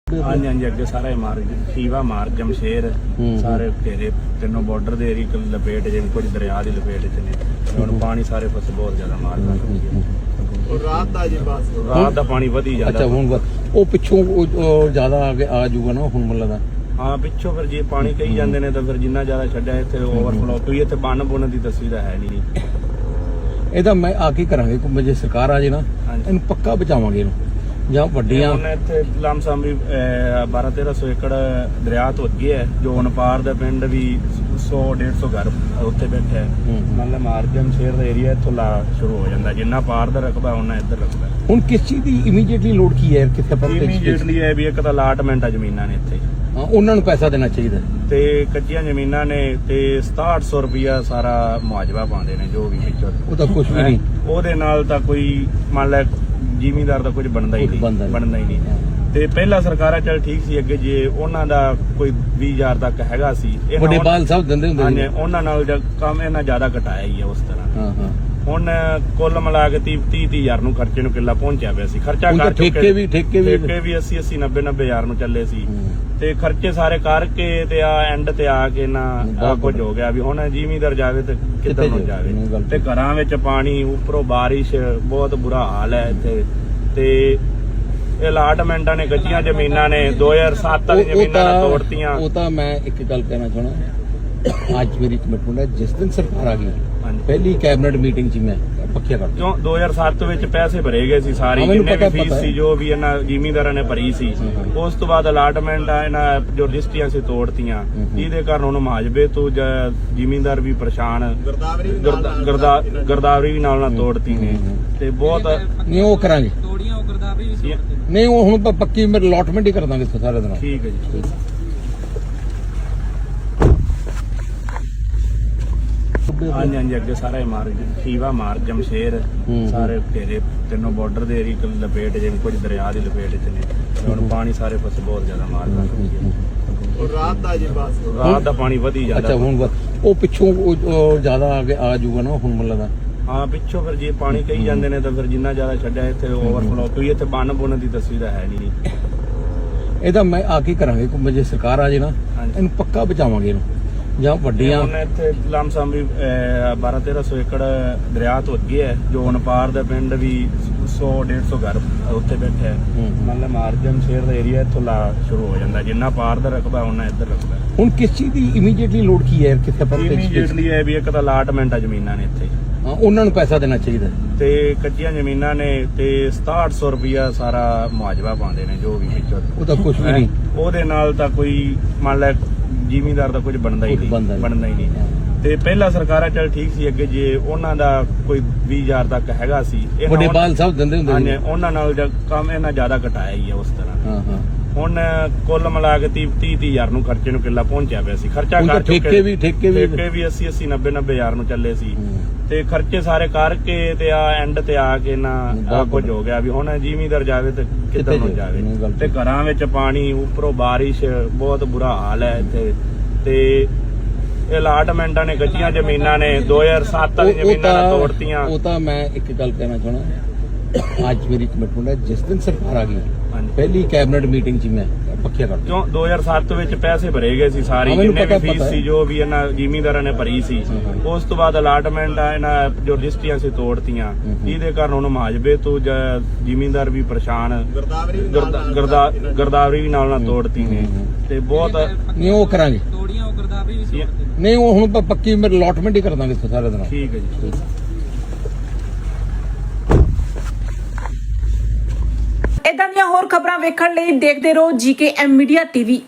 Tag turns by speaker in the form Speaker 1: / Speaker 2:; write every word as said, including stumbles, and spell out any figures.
Speaker 1: हाँ जी हाँ जी अगे सारा मार शीवा मार जमशेर सारे घेरे तीनों बॉर्डर दे एरिया की लपेट जिन कुछ दरिया की लपेट च ने हुण पानी सारे पासे बहुत ज्यादा मारदा और रात दा जी बस रात दा पानी वधी जांदा।
Speaker 2: अच्छा हुण ਉਹ ਪਿੱਛੋਂ ਜ਼ਿਆਦਾ ਆ ਗਿਆ ਆ ਜਾਊਗਾ ਨਾ ਹੁਣ ਮੈਨੂੰ ਲੱਗਦਾ।
Speaker 1: हाँ पिछों फिर जे पानी कही जाते हैं तो फिर जिन्ना ज्यादा छड्या इत्थे ओवरफ्लो क्योंकि इत्थे बन बुन की तस्वीर है नहीं।
Speaker 2: ਇਹਦਾ ਮੈਂ ਆ ਕੀ ਕਰਾਂਗੇ ਕਿ ਜੇ ਸਰਕਾਰ ਆ ਜੇ ਨਾ ਇਹਨੂੰ ਪੱਕਾ ਬਚਾਵਾਂਗੇ ਇਹਨੂੰ ਜਾਂ ਵੱਡੀਆਂ
Speaker 1: ਹੁਣ ਇੱਥੇ ਲਮਸਮ ਵੀ ਬਾਰਾਂ ਤੇਰਾਂ ਸੌ ਏਕੜ ਦਰਿਆ ਤੋਂ ਅੱਗੇ ਹੈ ਜੋ ਨਪਾਰ ਦਾ ਪਿੰਡ ਵੀ ਸੌ ਡੇਢ ਸੌ ਘਰ ਉੱਥੇ ਬੈਠਾ ਹੈ। ਮਤਲਬ ਮਾਰਜਨ ਸ਼ੇਰ ਦਾ ਏਰੀਆ ਇੱਥੋਂ ਲਾ ਸ਼ੁਰੂ ਹੋ ਜਾਂਦਾ ਜਿੰਨਾ ਪਾਰ ਦਾ ਰਕਬਾ ਉਹਨਾਂ ਇੱਧਰ ਰਕਬਾ।
Speaker 2: ਹੁਣ ਕਿਸ ਚੀਜ਼ ਦੀ ਇਮੀਡੀਏਟਲੀ ਲੋੜ ਕੀ ਹੈ ਕਿੱਥੇ ਪਰ
Speaker 1: ਇਮੀਡੀਏਟਲੀ ਹੈ ਵੀ ਇੱਕ ਤਾਂ ਅਲਾਟਮੈਂਟ ਆ ਜ਼ਮੀਨਾਂ ਨੇ ਇੱਥੇ
Speaker 2: ਹਾਂ ਉਹਨਾਂ ਨੂੰ ਪੈਸਾ ਦੇਣਾ ਚਾਹੀਦਾ
Speaker 1: ਤੇ ਕੱਚੀਆਂ ਜ਼ਮੀਨਾਂ ਨੇ ਤੇ ਸਤਾਹਠ ਸੌ ਰੁਪਇਆ ਸਾਰਾ ਮੁਆਵਜ਼ਾ ਪਾਉਂਦੇ ਨੇ ਜੋ ਵੀ ਵਿੱਚੋਂ
Speaker 2: ਉਹ ਤਾਂ ਕੁਝ ਵੀ ਨਹੀਂ
Speaker 1: ਉਹਦੇ ਨਾਲ ਤਾਂ ਕੋਈ ਮੰਨ ਲੈ ਜ਼ਿਮੀਂਦਾਰ ਦਾ ਕੁਝ ਬਣਦਾ ਹੀ ਨਹੀਂ ਬਣਦਾ ਹੀ ਨਹੀਂ। ਤੇ ਪਹਿਲਾਂ ਸਰਕਾਰਾਂ ਚੱਲ ਠੀਕ ਸੀ ਅੱਗੇ ਜੇ ਉਹਨਾਂ ਦਾ ਕੋਈ ਵੀਹ ਹਜ਼ਾਰ ਤੱਕ ਹੈਗਾ ਸੀ
Speaker 2: ਵੱਡੇ ਬਾਲ ਸਾਹਿਬ ਦਿੰਦੇ ਹੁੰਦੇ
Speaker 1: ਨੇ ਉਹਨਾਂ ਨਾਲ ਕੰਮ ਇਹਨਾਂ ਜ਼ਿਆਦਾ ਘਟਾਇਆ ਹੀ ਹੈ ਉਸ ਤਰ੍ਹਾਂ।
Speaker 2: ਹਾਂ ਹਾਂ
Speaker 1: ਹੁਣ ਕੁੱਲ ਮਿਲਾ ਕੇ ਤੀਹ ਤੀਹ ਹਜ਼ਾਰ ਨੂੰ ਖਰਚੇ ਨੂੰ ਕਿੱਲਾ ਪਹੁੰਚਿਆ ਪਿਆ ਸੀ ਖਰਚਾ ਕਰ ਚੁੱਕੇ
Speaker 2: ਠੇਕੇ ਵੀ ਠੇਕੇ ਵੀ
Speaker 1: ਠੇਕੇ ਵੀ ਅੱਸੀ ਅੱਸੀ ਨੱਬੇ ਨੱਬੇ ਹਜ਼ਾਰ ਨੂੰ ਚੱਲੇ ਸੀ ਤੇ ਖਰਚੇ ਸਾਰੇ ਕਰਕੇ ਤੇ ਆ ਐਂਡ ਤੇ ਆ ਕੇ ਨਾ ਕੁਝ ਹੋ ਗਿਆ ਵੀ ਹੁਣ ਜ਼ਿਮੀਂਦਾਰ ਜਾਵੇ ਤੇ ਕਿੱਧਰ ਨੂੰ ਜਾਵੇ ਤੇ ਘਰਾਂ ਵਿੱਚ ਪਾਣੀ ਉੱਪਰੋਂ ਬਾਰਿਸ਼ ਬਹੁਤ ਬੁਰਾ ਹਾਲ ਹੈ ਇੱਥੇ ਤੇ ਅਲਾਟਮੈਂਟਾਂ ਨੇ ਕੱਚੀਆਂ ਜ਼ਮੀਨਾਂ ਨੇ ਦੋ ਹਜ਼ਾਰ ਸੱਤ ਵਾਲੀ ਜ਼ਮੀਨਾਂ ਤੋੜਤੀਆਂ।
Speaker 2: ਉਹ ਤਾਂ ਮੈਂ ਇੱਕ ਗੱਲ ਕਹਿਣਾ ਚਾਹਣਾ ਅੱਜ ਮੇਰੀ ਕਮਿਟਮੈਂਟ ਹੈ ਜਿਸ ਦਿਨ ਸਰਕਾਰ ਆ ਗਈ ਪਹਿਲੀ ਕੈਬਨਿਟ ਮੀਟਿੰਗ 'ਚ ਮੈਂ ਪੱਕਿਆ ਕਰ
Speaker 1: ਕਿਉਂ ਦੋ ਹਜ਼ਾਰ ਸੱਤ ਵਿੱਚ ਪੈਸੇ ਭਰੇ ਗਏ ਸੀ ਸਾਰੀ ਜਿੰਨੇ ਵੀ ਫੀਸ ਸੀ ਜੋ ਵੀ ਇਹਨਾਂ ਜ਼ਿਮੀਂਦਾਰਾਂ ਨੇ ਭਰੀ ਸੀ ਉਸ ਤੋਂ ਬਾਅਦ ਅਲਾਟਮੈਂਟ ਆ ਇਹਨਾਂ ਜੋ ਰਜਿਸਟਰੀਆਂ ਸੀ ਤੋੜਤੀਆਂ ਜਿਹਦੇ ਕਾਰਨ ਹੁਣ ਮੁਆਵਜ਼ੇ ਤੋਂ ਜ਼ਿਮੀਂਦਾਰ ਵੀ ਪਰੇਸ਼ਾਨ ਗਰਦਾਵਰੀ ਵੀ ਨਾਲ ਨਾਲ ਤੋੜਤੀ ਨੇ ਤੇ ਬਹੁਤ
Speaker 2: ਨਹੀਂ ਉਹ ਕਰਾਂਗੇ ਨਹੀਂ ਉਹ ਹੁਣ ਪੱਕੀ ਮੇਰੇ ਅਲਾਟਮੈਂਟ ਹੀ ਕਰ ਦਾਂਗੇ ਸਾਰੇ ਦਿਨ।
Speaker 1: ਠੀਕ ਹੈ ਜੀ। हाँ जी हाँ जी अगे सारा मार शीवा मार जमशेर सारे घेरे तीनों बॉर्डर दे एरिया की लपेट जिन कुछ दरिया की लपेट च ने हुण पानी सारे पासे बहुत ज्यादा मारदा और रात दा जी बस रात दा पानी वधी जांदा।
Speaker 2: अच्छा हुण ਉਹ ਪਿੱਛੋਂ ਜ਼ਿਆਦਾ ਆ ਗਿਆ ਆ ਜਾਊਗਾ ਨਾ ਹੁਣ ਮੈਨੂੰ ਲੱਗਦਾ।
Speaker 1: ਹਾਂ ਪਿੱਛੋਂ ਫਿਰ ਜੇ ਪਾਣੀ ਕਹੀ ਜਾਂਦੇ ਨੇ ਤਾਂ ਫਿਰ ਜਿੰਨਾ ਜ਼ਿਆਦਾ ਛੱਡਿਆ ਇੱਥੇ ਓਵਰਫਲੋ ਕਿਉਂਕਿ ਇੱਥੇ ਬਨ ਬੁਨ ਦੀ ਤਸਵੀਰ ਹੈ ਨਹੀਂ।
Speaker 2: ਇਹਦਾ ਮੈਂ ਆ ਕੀ ਕਰਾਂਗੇ ਕਿ ਜੇ ਸਰਕਾਰ ਆ ਜੇ ਨਾ ਇਹਨੂੰ ਪੱਕਾ ਬਚਾਵਾਂਗੇ ਇਹਨੂੰ ਜਾਂ ਵੱਡੀਆਂ
Speaker 1: ਹੁਣ ਇੱਥੇ ਲਮਸਮ ਵੀ ਬਾਰਾਂ ਤੇਰਾਂ ਸੌ ਏਕੜ ਦਰਿਆ ਤੋਂ ਅੱਗੇ ਹੈ ਜੋ ਨਪਾਰ ਦਾ ਪਿੰਡ ਵੀ ਸੌ ਡੇਢ ਸੌ ਘਰ ਉੱਥੇ ਬੈਠਾ ਹੈ। ਮਤਲਬ ਮਾਰਜਨ ਸ਼ੇਰ ਦਾ ਏਰੀਆ ਇੱਥੋਂ ਲਾ ਸ਼ੁਰੂ ਹੋ ਜਾਂਦਾ ਜਿੰਨਾ ਪਾਰ ਦਾ ਰਕਬਾ ਉਹਨਾਂ ਇੱਧਰ ਰਕਬਾ। ਹੁਣ
Speaker 2: ਕਿਸ ਚੀਜ਼ ਦੀ ਇਮੀਡੀਏਟਲੀ ਲੋੜ ਕੀ ਹੈ ਕਿੱਥੇ ਪਰ
Speaker 1: ਇਮੀਡੀਏਟਲੀ ਹੈ ਵੀ ਇੱਕ ਤਾਂ ਅਲਾਟਮੈਂਟ ਆ ਜ਼ਮੀਨਾਂ ਨੇ ਇੱਥੇ
Speaker 2: ਹਾਂ ਉਹਨਾਂ ਨੂੰ ਪੈਸਾ ਦੇਣਾ ਚਾਹੀਦਾ
Speaker 1: ਤੇ ਕੱਚੀਆਂ ਜ਼ਮੀਨਾਂ ਨੇ ਤੇ ਸਤਾਹਠ ਸੌ ਰੁਪਇਆ ਸਾਰਾ ਮੁਆਵਜ਼ਾ ਪਾਉਂਦੇ ਨੇ ਜੋ ਵੀ ਵਿੱਚੋਂ
Speaker 2: ਉਹ ਤਾਂ ਕੁਝ ਵੀ ਨਹੀਂ
Speaker 1: ਉਹਦੇ ਨਾਲ ਤਾਂ ਕੋਈ ਮੰਨ ਲੈ ਜ਼ਿਮੀਂਦਾਰ ਦਾ ਕੁਝ ਬਣਦਾ ਹੀ ਨਹੀਂ ਬਣਦਾ ਹੀ ਨਹੀਂ। ਤੇ ਪਹਿਲਾਂ ਸਰਕਾਰਾਂ ਚੱਲ ਠੀਕ ਸੀ ਅੱਗੇ ਜੇ ਉਹਨਾਂ ਦਾ ਕੋਈ ਵੀਹ ਹਜ਼ਾਰ ਤੱਕ ਹੈਗਾ ਸੀ
Speaker 2: ਵੱਡੇ ਬਾਲ ਸਾਹਿਬ ਦਿੰਦੇ ਹੁੰਦੇ
Speaker 1: ਨੇ ਉਹਨਾਂ ਨਾਲ ਕੰਮ ਇਹਨਾਂ ਜ਼ਿਆਦਾ ਘਟਾਇਆ ਹੀ ਹੈ ਉਸ ਤਰ੍ਹਾਂ।
Speaker 2: ਹਾਂ ਹਾਂ
Speaker 1: ਹੁਣ ਕੁੱਲ ਮਿਲਾ ਕੇ ਤੀਹ ਤੀਹ ਹਜ਼ਾਰ ਨੂੰ ਖਰਚੇ ਨੂੰ ਕਿੱਲਾ ਪਹੁੰਚਿਆ ਪਿਆ ਸੀ ਖਰਚਾ ਕਰ ਚੁੱਕੇ
Speaker 2: ਠੇਕੇ ਵੀ ਠੇਕੇ ਵੀ
Speaker 1: ਠੇਕੇ ਵੀ ਅੱਸੀ ਅੱਸੀ ਨੱਬੇ ਨੱਬੇ ਹਜ਼ਾਰ ਨੂੰ ਚੱਲੇ ਸੀ ਤੇ ਖਰਚੇ ਸਾਰੇ ਕਰਕੇ ਤੇ ਆ ਐਂਡ ਤੇ ਆ ਕੇ ਨਾ ਕੁਝ ਹੋ ਗਿਆ ਵੀ ਹੁਣ ਜ਼ਿਮੀਂਦਾਰ ਜਾਵੇ ਤੇ ਕਿੱਧਰ ਨੂੰ ਜਾਵੇ ਤੇ ਘਰਾਂ ਵਿੱਚ ਪਾਣੀ ਉੱਪਰੋਂ ਬਾਰਿਸ਼ ਬਹੁਤ ਬੁਰਾ ਹਾਲ ਹੈ ਇੱਥੇ ਤੇ ਅਲਾਟਮੈਂਟਾਂ ਨੇ ਕੱਚੀਆਂ ਜ਼ਮੀਨਾਂ ਨੇ ਦੋ ਹਜ਼ਾਰ ਸੱਤ ਵਾਲੀ ਜ਼ਮੀਨਾਂ ਤੋੜਤੀਆਂ।
Speaker 2: ਉਹ ਤਾਂ ਮੈਂ ਇੱਕ ਗੱਲ ਕਹਿਣਾ ਚਾਹਣਾ ਅੱਜ ਮੇਰੀ ਕਮਿਟਮੈਂਟ ਹੈ ਜਿਸ ਦਿਨ ਸਰਕਾਰ ਆ ਗਈ ਪਹਿਲੀ ਕੈਬਨਿਟ ਮੀਟਿੰਗ 'ਚ ਮੈਂ ਪੱਕਿਆ ਕਰ
Speaker 1: ਕਿਉਂ ਦੋ ਹਜ਼ਾਰ ਸੱਤ ਵਿੱਚ ਪੈਸੇ ਭਰੇ ਗਏ ਸੀ ਸਾਰੀ ਜਿੰਨੇ ਵੀ ਫੀਸ ਸੀ ਜੋ ਵੀ ਇਹਨਾਂ ਜ਼ਿਮੀਂਦਾਰਾਂ ਨੇ ਭਰੀ ਸੀ ਉਸ ਤੋਂ ਬਾਅਦ ਅਲਾਟਮੈਂਟ ਆ ਇਹਨਾਂ ਜੋ ਰਜਿਸਟਰੀਆਂ ਸੀ ਤੋੜਤੀਆਂ ਜਿਹਦੇ ਕਾਰਨ ਹੁਣ ਮੁਆਵਜ਼ੇ ਤੋਂ ਜ਼ਿਮੀਂਦਾਰ ਵੀ ਪਰੇਸ਼ਾਨ ਗਰਦਾਵਰੀ ਵੀ ਨਾਲ ਨਾਲ ਤੋੜਤੀ ਨੇ ਤੇ ਬਹੁਤ
Speaker 2: ਨਹੀਂ ਉਹ ਕਰਾਂਗੇ ਨਹੀਂ ਉਹ ਹੁਣ ਪੱਕੀ ਮੇਰੇ ਅਲਾਟਮੈਂਟ ਹੀ ਕਰ ਦਾਂਗੇ ਸਾਰੇ ਦਿਨ।
Speaker 1: ਠੀਕ ਹੈ ਜੀ।
Speaker 3: ਇਦਾਂ ਦੀਆਂ ਹੋਰ ਖਬਰਾਂ ਵੇਖਣ ਲਈ ਦੇਖਦੇ ਰਹੋ ਜੀਕੇ ਐਮ ਮੀਡੀਆ ਟੀਵੀ।